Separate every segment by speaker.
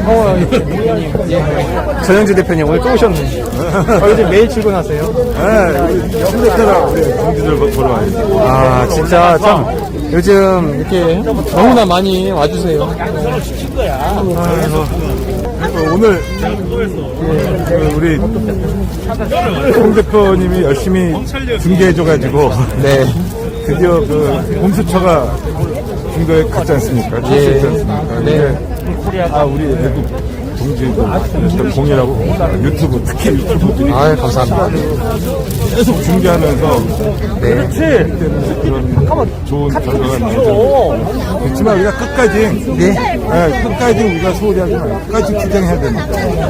Speaker 1: 대표님. 예. 전영주 대표님 오늘 또 오셨네. 요즘 매일 출근하세요?
Speaker 2: 네, 현대차라 우리 동지들 보러 와요.
Speaker 1: 아, 진짜 참 요즘 이렇게 너무나 많이 와주세요.
Speaker 2: 오늘 우리 홍 대표님이 열심히 중계해줘가지고
Speaker 1: 네.
Speaker 2: 드디어 그 공수처가 중도에 갔지 않습니까? 출시했지 않습니까?
Speaker 1: 네.
Speaker 2: 우리 애국 동지들 공연하고 유튜브, 특히 유튜브들이
Speaker 1: 아유, 감사합니다.
Speaker 2: 계속 중계하면서
Speaker 1: 네.
Speaker 2: 그런 좋은 결과가 나오죠. 그렇지만 우리가 끝까지 끝까지 우리가 소홀히 하지 말고 끝까지 주장해야 됩니다.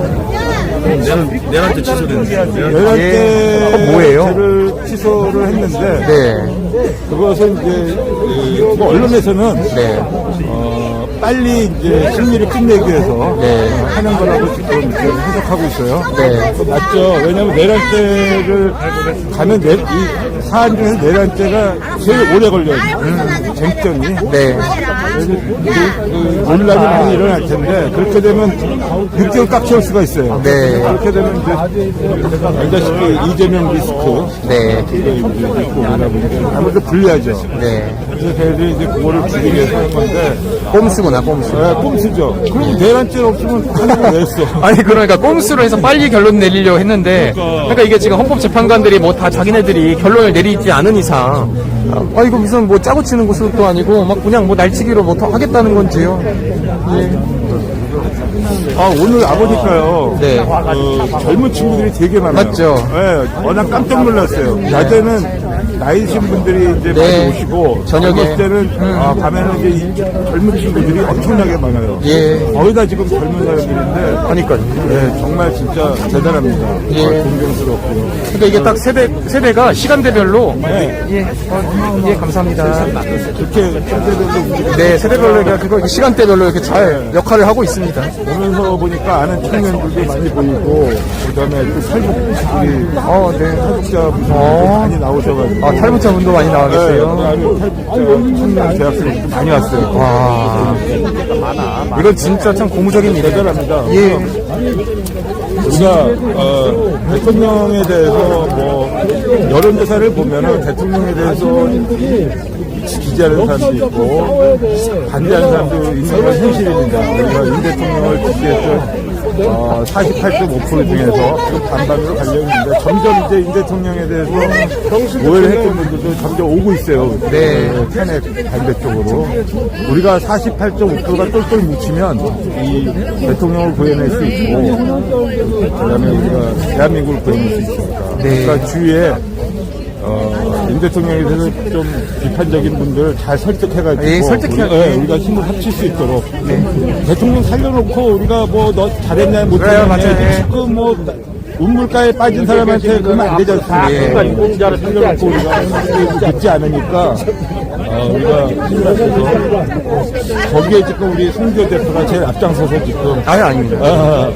Speaker 3: 내란죄 취소됐는데.
Speaker 2: 내란죄
Speaker 1: 뭐예요?
Speaker 2: 취소를 했는데
Speaker 1: 네.
Speaker 2: 그것은 이제 뭐 언론에서는 빨리 이제 심리를 끝내기 위해서 하는 거라고 지금 이제 해석하고 있어요.
Speaker 1: 네.
Speaker 2: 맞죠. 왜냐하면 내란죄를 가면 이 사안 중에서 내란죄가 제일 오래 걸려요. 쟁점이.
Speaker 1: 네.
Speaker 2: 그래서 그 논란이 많이 일어날 텐데 그렇게 되면 6개월 꽉 채울 수가 있어요.
Speaker 1: 네.
Speaker 2: 그렇게 되면 이제 알다시피 이재명 리스크
Speaker 1: 네.
Speaker 2: 그거 이제 있고 그러다 보니까 아무래도 불리하죠.
Speaker 1: 네.
Speaker 2: 그래서 걔들이 이제 그거를 줄이기 위해서 하는 건데
Speaker 1: 꼼수구나, 꼼수.
Speaker 2: 네, 꼼수죠. 그럼 내란죄 없으면 하는 거 왜 했어?
Speaker 1: 아니, 그러니까 꼼수로 해서 빨리 결론 내리려고 했는데, 그러니까 이게 지금 헌법재판관들이 뭐 다 자기네들이 결론을 내리지 않은 이상, 이거 무슨 뭐 짜고 치는 것도 아니고, 막 그냥 뭐 날치기로 뭐 더 하겠다는 건지요. 예.
Speaker 2: 오늘 아보니까요.
Speaker 1: 네.
Speaker 2: 젊은 친구들이 되게 많아요.
Speaker 1: 맞죠?
Speaker 2: 네, 워낙 깜짝 놀랐어요. 낮에는 나이 드신 분들이 이제 많이 오시고,
Speaker 1: 저녁에.
Speaker 2: 젊을 때는, 밤에는 이제 이 젊은 친구들이 엄청나게 많아요.
Speaker 1: 예.
Speaker 2: 거의 다 지금 젊은 사람들인데,
Speaker 1: 그러니까요.
Speaker 2: 네, 정말 진짜 대단합니다.
Speaker 1: 예.
Speaker 2: 존경스럽고요.
Speaker 1: 그러니까 이게 딱 세대가 시간대별로. 예, 감사합니다.
Speaker 2: 그렇게 세대별로 움직이고
Speaker 1: 네, 세대별로, 그거 시간대별로 이렇게 잘 역할을 하고 있습니다.
Speaker 2: 오면서 보니까 아는 청년들도 많이 보이고, 그 다음에 또 탈북들이,
Speaker 1: 네.
Speaker 2: 탈북자분들이 많이 나오셔가지고.
Speaker 1: 탈북자분도 많이 나와 계세요.
Speaker 2: 탈북자 청년 대학생들이 많이 왔어요.
Speaker 1: 와. 이건 진짜 참 고무적인 일이에요.
Speaker 2: 대단합니다.
Speaker 1: 예.
Speaker 2: 우리가 대통령에 대해서 뭐 여론조사를 보면은 대통령에 대해서 지지하는 사람도 있고 반대하는 사람도 있는 건 현실입니다. 우리가 윤 대통령을 지지했던 48.5% 중에서 반반으로 갈려 있는데 점점 이제 윤 대통령에 대해서 오해를 했던 분들도 점점 오고 있어요.
Speaker 1: 네.
Speaker 2: 탄핵 반대쪽으로. 우리가 48.5%가 똘똘 뭉치면 이 대통령을 구해낼 수 있고 그다음에 우리가 대한민국을 구해낼 수 있습니다. 그러니까 주위에 윤 대통령에 대해서 좀 비판적인 분들 잘 설득해가지고 우리가 힘을 합칠 수 있도록 대통령 살려놓고 우리가 뭐 너 잘했냐 못했냐 지금 뭐 운물가에 빠진 사람한테 그러면 안 되지 않습니까? 인공자를 살려놓고 우리가 믿지 않으니까 우리가 힘을 합쳐서 거기에 지금 우리 송교 대표가 제일 앞장서서 지금
Speaker 1: 아닙니다.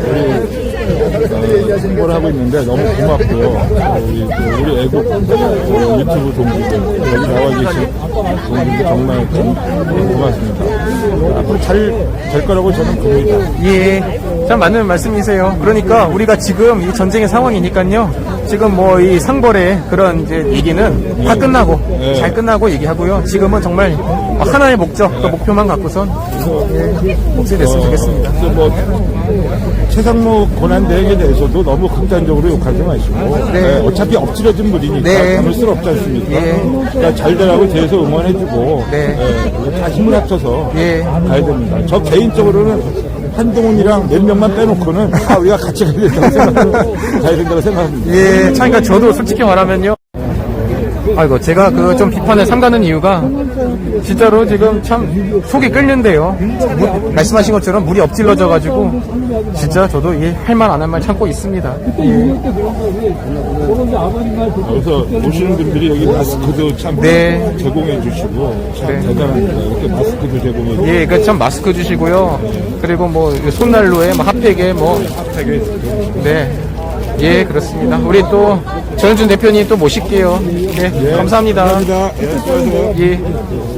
Speaker 2: 홍보를 하고 있는데 너무 고맙고요. 우리 애국 유튜브 동지들 여기 나와 계신 동지들 정말 고맙습니다. 앞으로 잘 될 거라고 저는 봅니다.
Speaker 1: 예, 참 맞는 말씀이세요. 그러니까 우리가 지금 이 전쟁의 상황이니까요. 지금 뭐 이 상벌의 그런 이제 얘기는 다 끝나고 잘 끝나고 얘기하고요. 지금은 정말 하나의 목적, 그 목표만 갖고선 목소리 냈으면 좋겠습니다.
Speaker 2: 뭐 최상목 권한대행에 대해서도 너무 극단적으로 욕하지 마시고 어차피 엎질러진 물이니까 담을 수는 없지 않습니까? 그러니까 잘 되라고 뒤에서 응원해주고 다 힘을 합쳐서 가야 됩니다. 저 개인적으로는 한동훈이랑 몇 명만 빼놓고는 우리가 같이 가야 된다고 생각합니다.
Speaker 1: 예, 참, 그러니까 저도 솔직히 말하면요. 아이고, 제가 그 좀 비판을 삼가는 이유가 진짜로 지금 참 속이 끓는데요. 말씀하신 것처럼 물이 엎질러져가지고 진짜 저도 할 말 안 할 말 참고 있습니다.
Speaker 2: 그래서 오시는 분들이 여기 마스크도 참 제공해 주시고 참 대단합니다. 이렇게 마스크도 제공해 주시고
Speaker 1: 그 참 마스크 주시고요. 그리고 뭐 손난로에 뭐 핫팩에 뭐 예, 그렇습니다. 우리 또 전현준 대표님 또 모실게요. 네, 감사합니다.
Speaker 2: 감사합니다. 예, 수고하세요.
Speaker 1: 예.